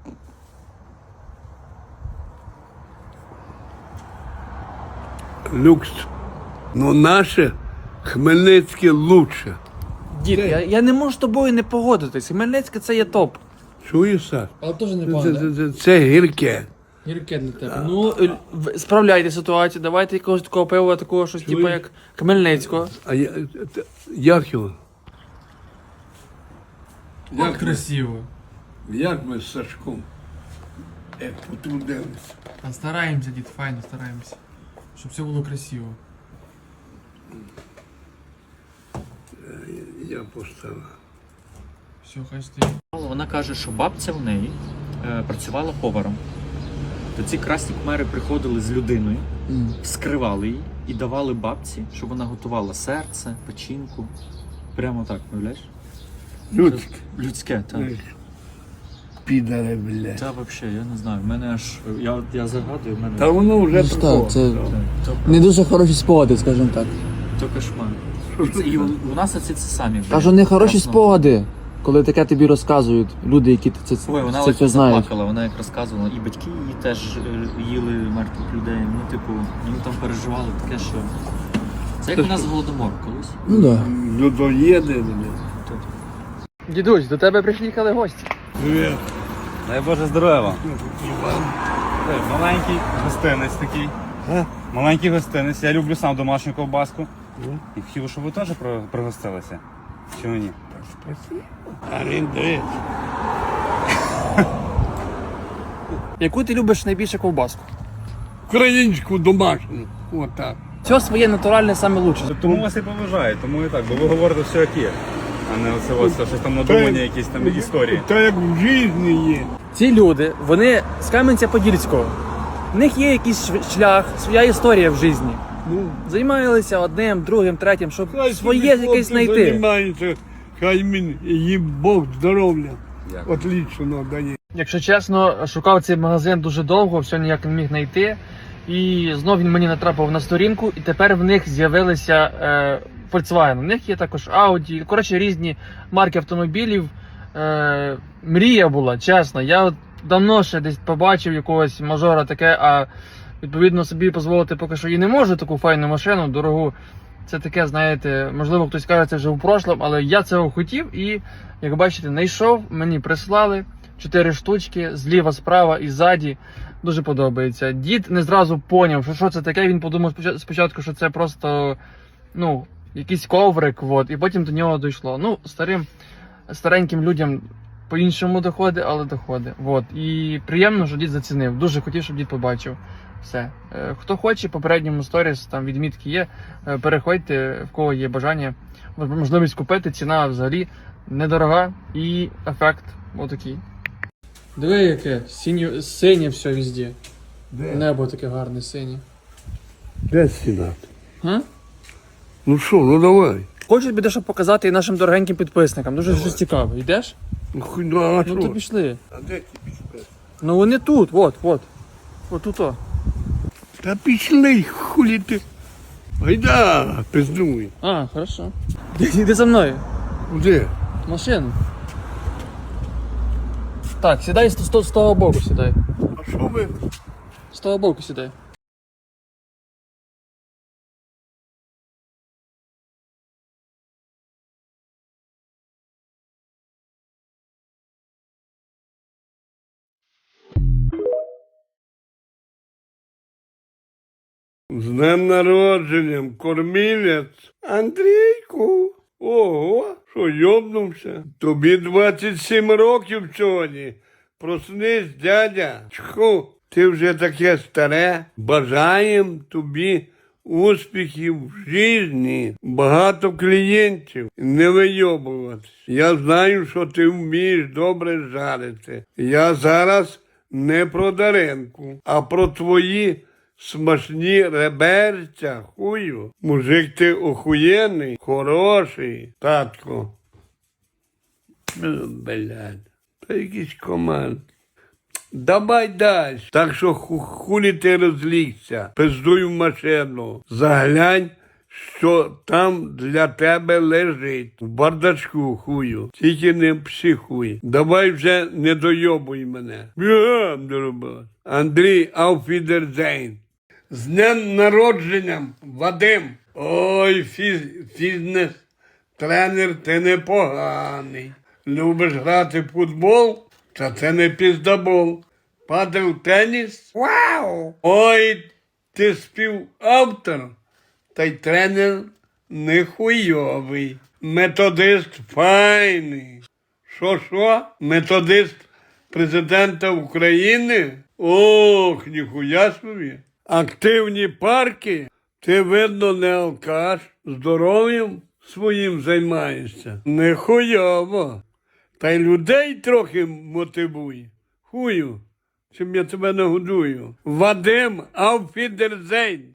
Люкс. Ну наше Хмельницьке лучше. Дід, я не можу з тобою не погодитись. Хмельницьке це є топ. Чуєш, Саш? Але теж не Це гірке. Гірке для тебе. Ну, справляйте ситуацію, давайте якогось такого пива, такого щось, типу як Хмельницького. А як його? Як красиво. Як ми з Сашком потрудилися. А стараємося, дід, файно стараємося. Щоб все було красиво. Я поставив. Все, хай стоїть. Вона каже, що бабця в неї працювала поваром. То ці красні кмери приходили з людиною, вскривали її і давали бабці, щоб вона готувала серце, печінку. Прямо так, уявляєш? Людське. Людське, так. Підаре, блядь. Та взагалі, я не знаю, в мене аж. Я загадую, в мене. Та воно вже Так, такого. це не дуже хороші спогади, скажімо так. То кошмар. І у нас оці це самі. Кажу, не хороші Красно. спогади, коли таке тобі розказують люди, які Ой, вона це ось знають. заплакала, вона як розказувала, і батьки її теж їли мертвих людей. Ну, типу, вони там переживали таке, що. Це як у нас голодомор колись. Ну так. Людоєди, блядь. Дідусь, до тебе приїхали гості. Привіт. Дай Боже здоров'я вам. Маленький гостинець такий. Маленький гостинець. Я люблю сам домашню ковбаску. І хотів, щоб ви теж пригостилися. Чи ні? Спасибо. Арендуєш. Яку ти любиш найбільше ковбаску? Українську домашню. Отак. Все своє натуральне саме лучше. Тому вас і поважаю, тому і так, бо ви говорите все як є. А не оце ось щось там надумані, якісь там історії. Та як в житті є. Ці люди, вони з Кам'янця-Подільського. В них є якийсь шлях, своя історія в житті. Ну, Займалися одним, другим, третім, щоб хай своє собі якесь хлопці знайти. займаються, хай їм Бог здоров'я. Дякую. Отлично дає. Якщо чесно, шукав цей магазин дуже довго, все ніяк не міг знайти. І знов він мені натрапив на сторінку, і тепер в них з'явилися Volkswagen. У них є також Audi, коротше, різні марки автомобілів. Мрія була, чесно. Я от давно ще десь побачив якогось мажора таке, а відповідно собі дозволити поки що і не можу таку файну машину, дорогу. Це таке, знаєте, можливо, хтось каже, це вже в прошлому, але я цього хотів і, як бачите, знайшов, мені прислали 4 штучки, зліва, справа і ззаді. Дуже подобається. Дід не зразу поняв, що це таке, він подумав спочатку, що це просто, ну, якийсь коврик, от, і потім до нього дійшло. Ну, стареньким людям по-іншому доходить, але доходить. От. І приємно, що дід зацінив. Дуже хотів, щоб дід побачив. Все. Хто хоче, попередньому сторіс, там відмітки є, переходьте, в кого є бажання, можливість купити, ціна взагалі недорога і ефект отакий. Диви яке, синє все везде. Де? Небо таке гарне, синє. Де сідати? А? Ну що, ну давай. Хочу тобі дещо показати і нашим дорогеньким підписникам. Дуже щось цікаве. Йдеш? Ну, хуй, ну а Ну то що? пішли. А де ті пішли? Ну вони тут, от. От тут. Та пішли, хулі ти. Гайда, пиздуй. А, хорошо. Іди за мною. Де? В машину. Так, сідай з того боку, сідай. А що ви? З того боку сідай. З днем народженням, кормілець. Андрійку. Ого, що йобнувся? Тобі 27 років сьогодні. Проснись, дядя. Чху, ти вже таке старе. Бажаєм тобі успіхів в житті, багато клієнтів, не вийобуватись. Я знаю, що ти вмієш добре жарити. Я зараз не про Даренку, а про твої смачні реберця, хую. Мужик, ти охуєнний, хороший, татко. Блядь, та якийсь команд. Давай дай. Так що хулі ти розлігся, пиздуй в машину. Заглянь, що там для тебе лежить в бардачку, хую. Тільки не психуй. Давай вже не дойобуй мене. Бігам до роботи. Андрій Ауфідерзейн. З днем народженням, Вадим. Ой, фітнес-тренер, ти непоганий. Любиш грати в футбол? Та це не піздабол. Падав теніс? Вау! Ой, ти співавтор, та й тренер нехуйовий. Методист файний. Що? Методист президента України? Ох, ніхуя собі. Активні парки? Ти, видно, не алкаш, здоров'ям своїм займаєшся. Нехуйово. Та й людей трохи мотивуй. Хую, чим я тебе нагодую. Вадим Ауфідерзейн.